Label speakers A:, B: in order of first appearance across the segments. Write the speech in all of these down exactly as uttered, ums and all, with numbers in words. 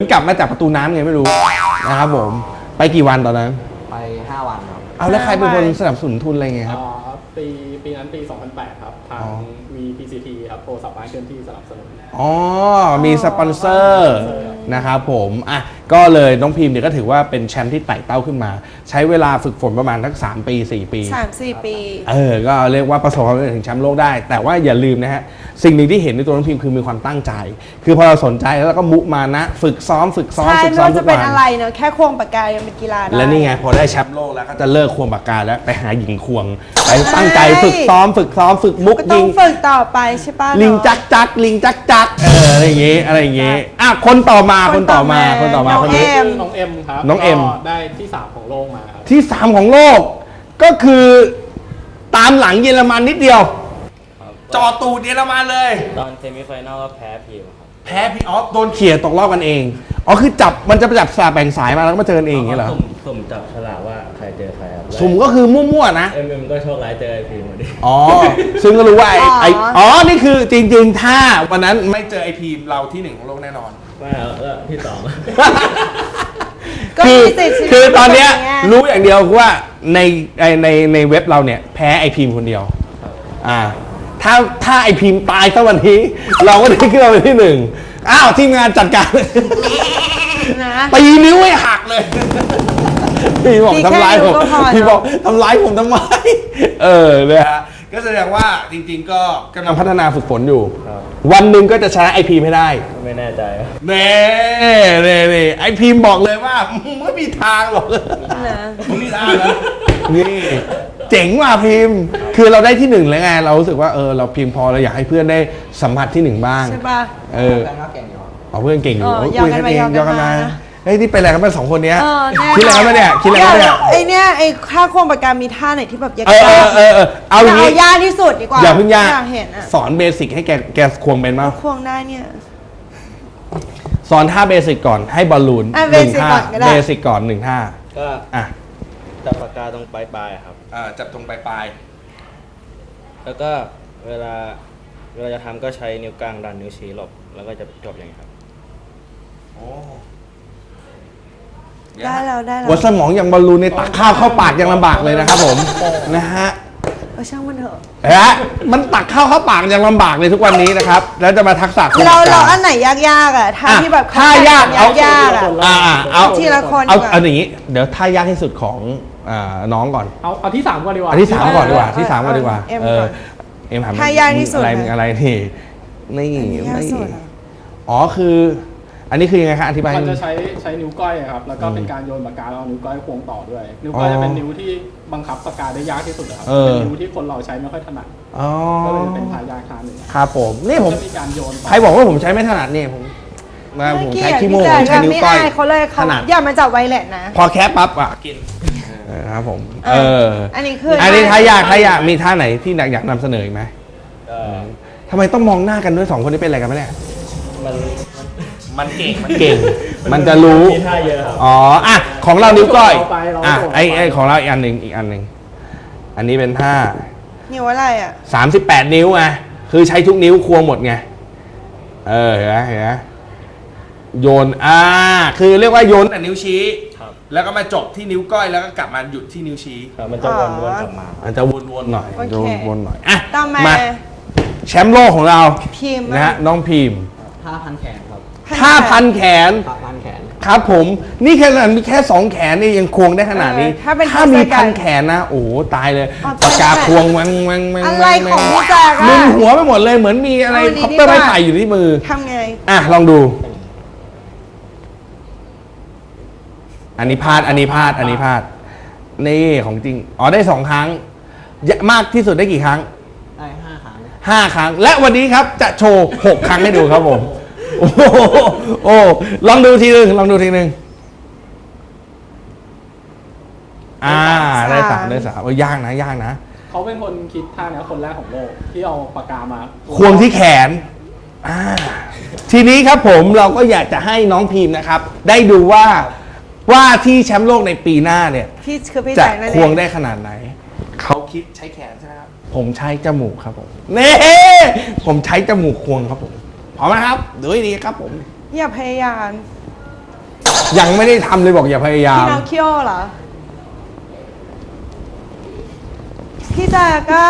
A: กลับมาจากประตูน้ำไงไม่รู้นะครับผมไปกี่วันตอนนั้น
B: ไปห้าวันครับ
A: เอาแล้วใครเป็นคนสนับสนุนทุนอะไรเงี้ยครับ
C: ปีปีนั้นปีสองพันแปดครับทาง วี พี ซี ที ครับโทรศัพท์บ้านเคลื่อนที่สนับสนุน
A: อ๋อมีสปอนเซอร์นะครับผมอ่ะก็เลยน้องพิมพ์เนี่ยก็ถือว่าเป็นแชมป์ที่ไต่เต้าขึ้นมาใช้เวลาฝึกฝนประมาณทั้งสามปีสี่ปี
D: สามสี่ปี
A: เออก็เรียกว่าประสบความสำเร็จถึงแชมป์โลกได้แต่ว่าอย่าลืมนะฮะสิ่งหนึ่งที่เห็นในตัวน้องพิมพ์คือมีความตั้งใจคือพอเราสนใจแล้วก็มุมานะฝึกซ้อมฝึกซ้อม
D: ฝึก
A: ซ้อม
D: ทุกวันจะเป็นอะไรเนอะแค่ควงปากกายังเป็นกีฬาได้
A: และนี่ไงพอได้แชมป์โลกแล้วก็จะเลิกควงปากกาแล้วไปหาหญิงควงไปตั้งใจฝึกซ้อมฝึกซ้อมฝึกมุกยิง
D: ฝึกต่อไปใช่ป่ะ
A: ลิงจักจักลิงจักจักเอออะไรอย่างงี้อะไรอย่างงี้อ่ะคนต่อมาคนต่อมาคนต่อมาคนนี้
C: น้องเอ็มครับ
A: น้องเอ็ม
C: ได้ที่สามของโลกมาครับ
A: ที่สามของโลกก็คือตามหลังเยอรมันนิดเดียวจอตูดเยอรมันเลย
B: ตอนเซมิไฟแนลก็แพ้พีมครับ
A: แพ้พี่อ๋อโดนเขี่ยตกรอบกันเองอ๋อคือจับมันจะไปจับสลากแบ่งสายมาแล้วก็มาเจอกันเองอย่างเงี้ยเหรอ
B: สุ่มจับฉลากว่าใครเจอใครครับ
A: สุ่มก็คือมั่วๆนะ
B: เอ็มเอ็มก็โชคร้ายเจอไอพีมพอดี
A: อ๋อซึ่งก็รู้ว่าไอไออ๋อนี่คือจริงๆถ้าวันนั้นไม่เจอไอพีมเราที่หนึ่งของโลกแน่นอน
B: ไม่แล้วที่สอง
A: คือคือตอนเนี้ยรู้อย่างเดียวว่าในในในเว็บเราเนี่ยแพ้ไอพีมคนเดียวอ่าถ้าถ้าไอพีมตายสักวันนี้เราก็ได้ขึ้นมาเป็นที่หนึ่งอ้าวทีมงานจัดการตีนิ้วให้หักเลยพี่บอกทำร้ายผมพี่บอกทำร้ายผมทำไมเออเลยฮะก็แสดงว่าจริงๆก็กำลังพัฒนาฝึกฝนอยู่วันหนึ่งก็จะชนะไอพีมให้ได้
B: ไม่แน่ใจ
A: เน่เน่เน่ไอพีมบอกเลยว่าไม่มีทางหรอกไม่มีทางนะนี่เจ๋งว่ะพิมพ์คือเราได้ที่หนึ่งแล้วไงเรารู้สึกว่าเออเราพิมพ์พอเราอยากให้เพื่อนได้สัมผัสที่หนึ่งบ้าง
D: ใช่ป่ะ
A: เออเอาเพื่อนเก่งอยู่คุยกันเองยอมกันมาเฮ้ยที่ไปอะไรกันเป็นสองคนเนี้ยคิดอะไรกันมาเนี่ยคิดอะไรกันเนี่ย
D: ไอเนี้ยไอค่าควงปากกามีท่าไหนที่แบบยาก
A: เออเออเออเอาอย่าง
D: นี้ยากที่สุดดีกว่า
A: อย่าเพิ่งยาก
D: เห็น
A: สอนเบสิกให้แกแกควงเป็นมั้ย
D: ควงได้เนี่ย
A: สอนท่าเบสิกก่อนให้บอลลูนหนึ่งท่าเบสิกก่อนหนึ่งท่า
B: ก็
A: อ่ะ
B: จับปากกาตรงปลายปลายครับ
A: อ่าจับตรงปลายปลาย
B: แล้วก็เวลาเวลาจะทำก็ใช้นิ้วกลางดันนิ้วชี้หลบแล้วก็จะจบอย่างนี้ครับ
A: โอ้
D: ได้แล้วได้แล้ว
A: หัวสมองอย่างบอลลูนในตักข้าวเข้าปากยังลำบากเลยนะครับผมนะฮะ
D: เออช่างมันเถอะ
A: ฮะมันตักข้าวเข้าปากยังลำบากเลยทุกวันนี้นะครับแล้วจะมาทักษะ
D: เราเราอันไหนยากๆอ่ะท่าที่แบบ
A: ท่ายากเอา
D: ยาก
A: อ่าเอา
D: ทีละคน
A: เอาเอาอย่างนี้เดี๋ยวท่ายากที่สุดของน้องก่อน
C: เอาเอาที่สามก่อนดีกว่า
A: เอาที่สามก่อนดีกว่าที่สามก่อนดีกว่าเออเอ็มถาม
D: ท่ายากที่สุด
A: อะไรอะไรนี่นี่นี่อ๋อคืออันนี้คือยังไงครับอธิบาย
C: มันจะใช้ใช้นิ้วก้อยครับแล้วก็เป็นการโยนปากกาเอานิ้วก้อยควงต่อด้วยนิ้วก้อยจะเป็นนิ้วที่บังคับปากกาได้ยากที่สุดครับเป็นนิ้วที่คนเราใช้ไม่ค่อยถนัดก็เลยเป็นทายากทางหนึ่ง
A: ครับผมนี่ผม
C: มีการโยน
A: ใครบอกว่าผมใช้ไม่ถนัดนี่ผมมาผมใช้ขี้โม่ใช้นิ้วก้อย
D: เขาเลยถนัดอย่ามาจับไวเลสนะ
A: พอแคปปั๊บอ่ะกินครับผมเออ
D: อันนี้คือ
A: อันนี้ท่ายากท่ายากมีท่าไหนที่อยากนำเสนออีกไหมทำไมต้องมองหน้ากันด้วยสองคนนี้เป็นอะไรกันไหมเนี่ย
B: มัน
A: มันเก่งมันเก่งมันจะรู้อ๋ออ่ะของเรานิ้วก้อยอ่ะไอไอของเราอีกอันหนึ่งอีกอันหนึ่งอันนี้เป็นท่า
D: นิ้วอะไรอ่ะ
A: สามสิบแปดนิ้วไงคือใช้ทุกนิ้วควงหมดไงเออเห็นไหมเห็นไหมโยนอ่าคือเรียกว่าโยนแต่นิ้วชี้แล้วก็มาจบที่นิ้วก้อยแล้วก็กลับมาหยุดที่นิ้วชี้
B: มันจะวนๆกลับมา
A: มันจะวนๆหน่อยวนๆหน่อยอ่ะ
D: มา
A: แชมป์โลกของเรานะฮะน้องพิมพ์
B: ผ้าพันแขนครับ
A: ผ้าพันแขน
B: ผ้าพันแขน
A: ครับผมนี่แค่มีแค่สองแขนนี่ยังควงได้ขนาดนี้ถ้ามีพันแขนนะโอ้ตายเลยปากกาควงมันมันมัน
D: อะไรของพี่แจ๊ก
A: มึนหัวไปหมดเลยเหมือนมีอะไรคอปเตอร์ไม้ไผ่อยู่ที่มือ
D: ทำไง
A: อ่ะลองดูอันนี้พลาดอันนี้พลาดอันนี้พลาดนี่ของจริงอ๋อได้สองครั้งมากที่สุดได้กี่ครั้ง
B: ได้ห้าครั้ง
A: ห้าครั้งและวันนี้ครับจะโชว์หกครั้งให้ดูครับผมโอ้โอ้ลองดูทีนึงลองดูทีนึงอ่าได้สามได้สามโอ้ยากนะยากนะ
C: เขาเป็นคนคิดท่านี้คนแรกของโลกที่เอาปากกามา
A: ควงที่แขนอ่าทีนี้ครับผมเราก็อยากจะให้น้องพิมพ์นะครับได้ดูว่าว่าที่แชมป์โลกในปีหน้าเนี่ยจะควงได้ขนาดไหนเขาคิดใช้แขนใช่ไหมครับผมใช้จมูกครับผมเน่ผมใช้จมูกควงครับผมพร้อมไหมครับดูให้ดีครับผม
D: อย่าพยายาม
A: ยังไม่ได้ทำเลยบอกอย่าพยายาม
D: พี่นอคิโอเหรอ พี่แจ๊กก็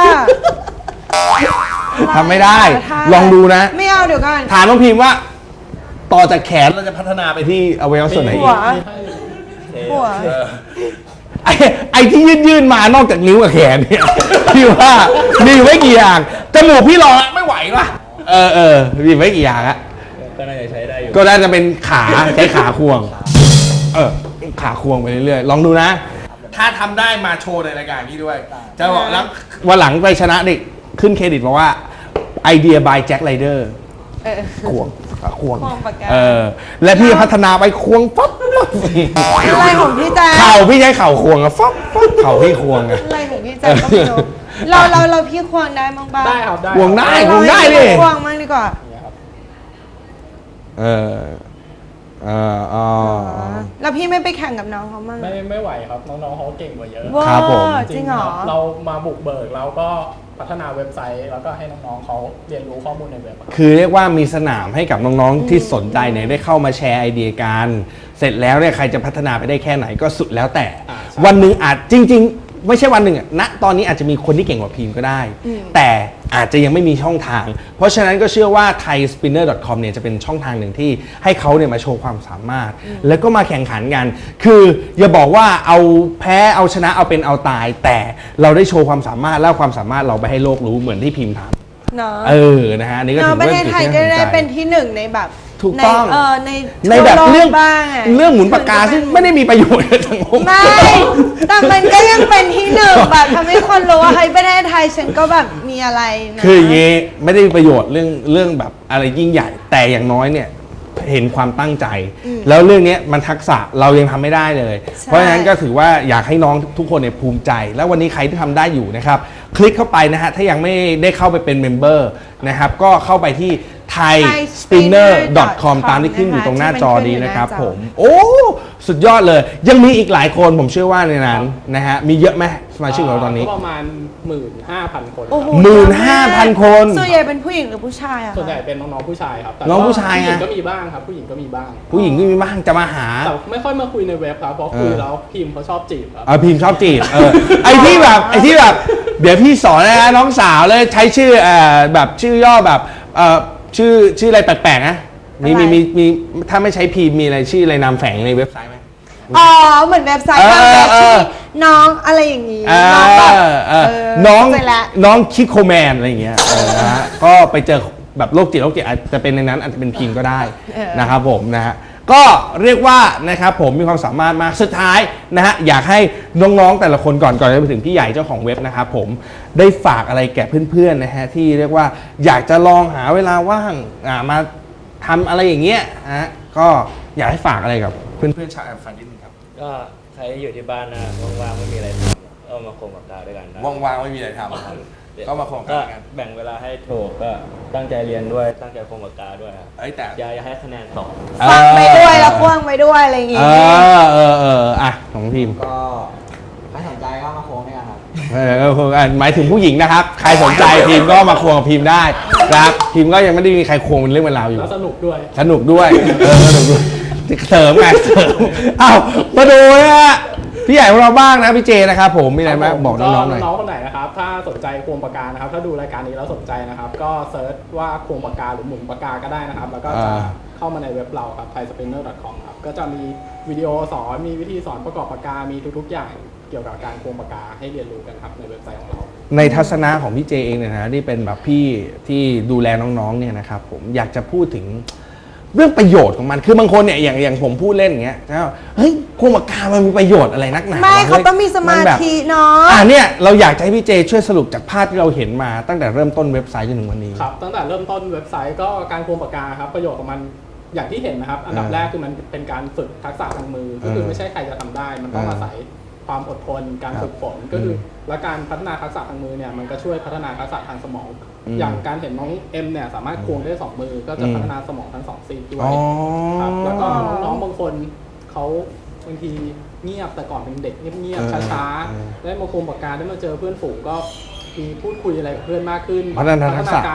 A: ทำไม่ได้
D: ท่า
A: ลองดูนะ
D: ไม่เอาเดี๋ยวก่อน
A: ถามน้องพิมพ์ว่า ต่อจากแขนเราจะพัฒนาไปที่อวัยวะส่วนไหนอี
D: หัว
A: ก
D: หัว
A: ไอ้ไอ้ที่ยื่นยื่นๆมานอกจากนิ้วกับแขนเนี่ย พี่ว่ามีไว้กี่อย่างจมูกพี่รอไม่ไหวปะเออเออมีไว้กี่อย่างอะ
B: ก็น่าจะใช้ได้อยู่
A: ก็น่าจะเป็นขาใช้ขาควง เออขาควงไปเรื่อยๆลองดูนะ ถ้าทำได้มาโชว์ในรายการนี้ด้วย จะบอกแล้ววันหลังไปชนะเด็กขึ้นเครดิตบอกว่าไอเดีย by แจ็คไรเดอร์
D: เออ
A: ควงขาควง
D: ควงปากกา
A: เออและพี่พัฒนาไปควงปั๊บปั๊บ
D: อะไรของพี่แจ๊ก
A: เข่าพี่ใช้เข่าควงอะฟับฟับเข่าพี่ควงอะ
D: อะไรของพี่แจ๊กก็ไม่รู้เราเราเราพี่ควงได้มั้งบ้าง
C: ได้ครับได้
A: ควงได้
C: ครับ
A: ควงได้ดิ
D: ควงมั้งดีกว่า
C: เนี่ยครับ
A: เออเอออ๋อ
D: แล้วพี่ไม่ไปแข่งกับน้องเขามั้ง
C: ไม่ไม่ไหวครับน้องๆเขาเก่งกว่าเยอะ
D: ว้า
A: ครับผม
D: จริงเหรอ
C: คบเรามาบุกเบิกแล้วก็พัฒนาเว็บไซต์ แล้วก็ให้น้องๆเขาเรียนรู้ข้อมูลในเว็บครับ
A: คือเรียกว่ามีสนามให้กับน้องๆที่สนใจเนี่ยได้เข้ามาแชร์ไอเดียกันเสร็จแล้วเนี่ยใครจะพัฒนาไปได้แค่ไหนก็สุดแล้วแต่
C: อ่าใช่
A: วันหนึ่งอาจจริง ๆ ไม่ใช่วันหนึ่งอะณตอนนี้อาจจะมีคนที่เก่งกว่าพิมพ์ก็ได้ แต่อาจจะยังไม่มีช่องทาง เพราะฉะนั้นก็เชื่อว่า ไทยสปินเนอร์ ดอท คอม เนี่ยจะเป็นช่องทางหนึ่งที่ให้เขาเนี่ยมาโชว์ความสามารถ แล้วก็มาแข่งขันกัน คืออย่าบอกว่าเอาแพ้เอาชนะเอาเป็นเอาตาย แต่เราได้โชว์ความสามารถแล้วความสามารถเราไปให้โลกรู้เหมือนที่พิมพ์ทำ
D: เนาะ
A: เออนะฮะอันนี่ก็
D: เนาะ
A: ถือ
D: ประ
A: ว่า
D: เทศไทย
A: จุ
D: ก็
A: ที่น่าสน
D: ได้
A: ใจ
D: เป็นที่หนึ่งในแบบ
A: ถูกต้อง
D: ในเออใน
A: ในแบบ
D: ทั่วโลก
A: เรื่อง
D: บ้างอะ
A: เรื่องหมุนปากกาซึ่งไม่ได้มีประโยชน์กับสังคม
D: ไม่ แต่มันก็ยังเป็นที่หนึ่งแบบทำให้คนรู้ว่าเฮ้ยประเทศไทยฉันก็แบบมีอะไรนะ
A: คืออย่างงี้ไม่ได้มีประโยชน์เรื่องเรื่องแบบอะไรยิ่งใหญ่ แต่อย่างน้อยเนี่ยเห็นความตั้งใจ แล้วเรื่องเนี้ยมันทักษะเรายังทำไม่ได้เลย เพราะฉะนั้นก็ถือว่าอยากให้น้องทุกคนเนี่ยภูมิใจ แล้ววันนี้ใครที่ทำได้อยู่นะครับ คลิกเข้าไปนะฮะถ้ายังไม่ได้เข้าไปเป็นเมมเบอร์นะครับก็เข้าไปที่ ไทยสปินเนอร์ ดอท คอม ตามที่ขึ้นอยู่ตรงหน้าจอนี้นะครับผมโอ้สุดยอดเลย ยังมีอีกหลายคนผมเชื่อว่าในนั้นนะฮะมีเยอะไหมสมาชิกของเราตอนนี้
C: ก็ประมาณ หนึ่งหมื่นห้าพัน คน
D: โอ้โห
A: หมื่นห้าพันคน
D: ส่วนใหญ่เป็นผู้หญิงหรือผู้ชายอะ
C: ส่วนใหญ่
D: คะ
C: เป็นน้องๆผู้ชายครับแต่
A: น้องผู้ชาย
C: ผู้หญิง
A: ไง
C: ก็มีบ้างครับ ผู้หญิงก็มีบ้าง
A: ผู้หญิงก็มีบ้างจะมาหา
C: แต่ไม่ค่อยมาคุยในเว็บครับเพราะ
A: เออ
C: คุยแล้วพิมพ์เขาชอบจีบครับ
A: เออพิมพ์ชอบจีบเออไอที่แบบไอที่แบบเดี๋ยวพี่สอนนะน้องสาวเลยใช้ชื่อเอ่อแบบชื่อย่อแบบเอ่อชื่อชื่ออะไรแปลกๆนะมีมีมีมีถ้าไม่ใช้พิมพ์มีอะไรชื่ออะไรนามแฝงในเว็บไซต์ไหม
D: อ๋อเหมือนเว็บไซต์
A: เออบ
D: างเว็บ
A: เอ
D: ที่
A: อ
D: น้องอะไรอย่างนี้
A: เอ
D: น้องแบบ
A: อเออ
D: เออ
A: น้อง
D: เข้าใจละ
A: น้องคิโคแมนอะไรอย่างเงี้ยเออนะฮะก็ไปเจอแบบโรคจิตโรคจิตอาจจะเป็นในนั้นอาจจะเป็นพิมพ์ก็ได้
D: เออ
A: นะครับผมนะฮะก็เรียกว่านะครับผมมีความสามารถมากสุดท้ายนะฮะอยากให้น้องๆแต่ละคนก่อนก่อนจะไปถึงพี่ใหญ่เจ้าของเว็บนะครับผมได้ฝากอะไรแก่เพื่อนๆนะฮะที่เรียกว่าอยากจะลองหาเวลาว่างอ่ามาทำอะไรอย่างเงี้ยนะฮะก็อยากให้ฝากอะไรกับเพื่อนๆชาวแอมฟันนิดนึงครับ
B: ก็ใครที่อยู่ที่บ้านนะว่างๆไม่มีอะไรทำก็มาโคมปากกาด้วยกันนะ
A: ว่างๆไม่มีอะไรทำก็มาโคมปาก
B: ก็
A: กากัน
B: แบ่งเวลาให้ถูกก็ตั้งใจเรียนด้วยตั้งใจโคมปากกาด้วยครับ
A: เอ้ยแต่
B: อย่าอย่าให้คะแนนตก
D: ฟังไปด้วยแล้วควงไปด้วยอะไรอย่าง
A: เอ
D: งี้
A: อเออเอออ่ะของพิมพ์
E: ก็ใครสนใจก็มาโค้งด้วยกันครับ
A: เออเอออ่ะหมายถึงผู้หญิงนะครับ ใครสนใจพิมพ์ก็มาควงกับพิมพ์ได้นะครับพิมพ์ก็ยังไม่ได้มีใครควงเป็นเรื่องเป็นราวอยู่
C: แล้วสนุกด้วย
A: สนุกด้วยเออสนุกด้วยเสริมไงเสริมอ้าวมาดูนะฮะพี่ใหญ่ของเราบ้างนะพี่เจนะครับผมมีอะไรบ้างบอกน้องๆหน่อย
C: น้องๆคนไหนนะครับ ถ้าสนใจควงปากกานะครับ ถ้าดูรายการนี้แล้วสนใจนะครับ ก็เซิร์ชว่าควงปากกาหรือหมุนปากกาก็ได้นะครับ แล้วก็จะ
A: อ่า
C: เข้ามาในเว็บเราครับ ไทยสปินเนอร์ ดอท คอม ครับ ก็จะมีวิดีโอสอน มีวิธีสอนประกอบปากกา มีทุกๆอย่างเกี่ยวกับการควงปากกาให้เรียนรู้กันครับในเว็บไซต์ของเรา
A: ในทัศนะของพี่เจเองเนี่ยนะที่เป็นแบบพี่ที่ดูแลน้องๆเนี่ยนะครับผมอยากจะพูดถึงเรื่องประโยชน์ของมันคือบางคนเนี่ยอย่างอย่างผมพูดเล่นอย่างเงี้ยแล้วเฮ้ยควงปากกามันมีประโยชน์อะไรนักหนา
D: ไม่
A: วะ
D: เขาต้องมีสมา
A: นแบบ
D: ธิเนาะ
A: อ่าเนี่ยเราอยากจะให้พี่เจช่วยสรุปจากภาพที่เราเห็นมาตั้งแต่เริ่มต้นเว็บไซต์จนถึงวันนี้
C: ครับตั้งแต่เริ่มต้นเว็บไซต์ก็การควงปากกาครับประโยชน์ของมันอย่างที่เห็นนะครับ อันดับ
A: อ่า
C: แรกคือมันเป็นการฝึกทักษะทางมือ ก็คือ
A: เออ
C: ไม่ใช่ใครจะทำได้ มันต้อง
A: อ่า
C: อาศัยความอดทนการ
A: ครับ
C: ฝึกฝนก็คืออ
A: ม
C: และการพัฒนาทักษะทางมือเนี่ยมันก็ช่วยพัฒนาทักษะทางสมอง
A: อืม
C: อย่างการเห็นน้องเอ็มเนี่ยสามารถควงได้สองมือ ก็จะ
A: อืม
C: พัฒนาสมองทั้งสองซีกด้ว
A: อ๋
C: ย
A: อ
C: ครับแล้วก็น้องๆบางคนเขาบางทีเงียบแต่ก่อนเป็นเด็กเงียบ
A: เออ
C: ๆช้า
A: เออ
C: ๆได้มาควงปากกาได้มาเจอเพื่อนฝูงก็มีพูดคุยอะไรกับเพื่อนมากขึ้น
A: พัฒนาทักษะ
C: การ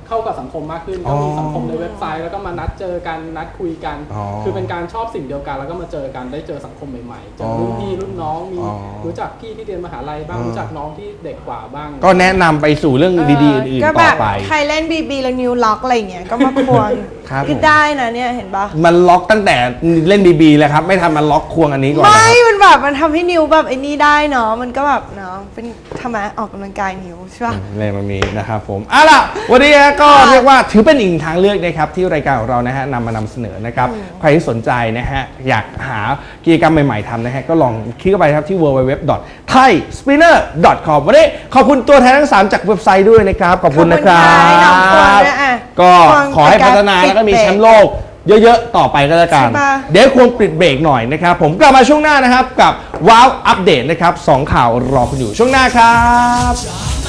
C: เข้ากับสังคมมากขึ้น
A: อ๋
C: ก็
A: อ
C: มีสังคมในเว็บไซต์แล้วก็มานัดเจอกันนัดคุยกัน
A: อ๋อ
C: คือเป็นการชอบสิ่งเดียวกันแล้วก็มาเจอกันได้เจอสังคมใหม่ๆเจอรุ่นพี่รุ่นน้องมี
A: อ๋อ
C: รู้จักพี่ที่เรียนมหาลัยบ้าง
A: อ๋อ
C: รู้จักน้องที่เด็กกว่าบ้าง
A: ก็แนะนำไปสู่เรื่องดีๆอื่น
D: ก็
A: ๆ
D: แบ
A: ต่อบ ไป
D: ใครเล่นบีบีแล้วนิวล็อกอะไรอย่างเงี้ยก็มาควง
A: ครับ
D: ก็ได้นะเนี่ยเห็นปะ
A: มันล็อกตั้งแต่เล่นบีบีแล้วครับ ไม่ทำมันล็อกควงอันนี้ก่อนนะ
D: ไม่
A: ครับ
D: มันแบบมันทำให้นิวแบบไอ้นี่ได้เนาะมันก็แบบเนาะเป็นทำไมออกกำลังกายนิวใช่ปะ
A: ในตรงนี้นะครับผมเอาล่ะวันนี้ก็เรียกว่าถือเป็นอีกทางเลือกนะครับที่รายการของเรานะฮะนำมานำเสนอนะครับใครที่สนใจนะฮะอยากหากิจกรรมใหม่ๆทำนะฮะก็ลองคลิกเข้าไปครับที่ ดับเบิลยู ดับเบิลยู ดับเบิลยู ดอท ไทยสปินเนอร์ ดอท คอม วันนี้ขอบคุณตัวแทนทั้งสามจากเว็บไซต์ด้วยนะครับขอบคุณนะครับ
D: ขอบคุณค่ะน้องควงด้วยอ่ะ
A: ก็
D: ควง
A: ขอให้พัฒนาแล้วก็มีแชมป์โลกเยอะๆ ต่อไปก็แล้วกัน
D: ใช่ปะ
A: เดี๋ยวควรปิดเบรกหน่อยนะครับ ผมกลับมาช่วงหน้านะครับ กับว้าวอัปเดตนะครับสองข่าวรอคุณอยู่ช่วงหน้าครับ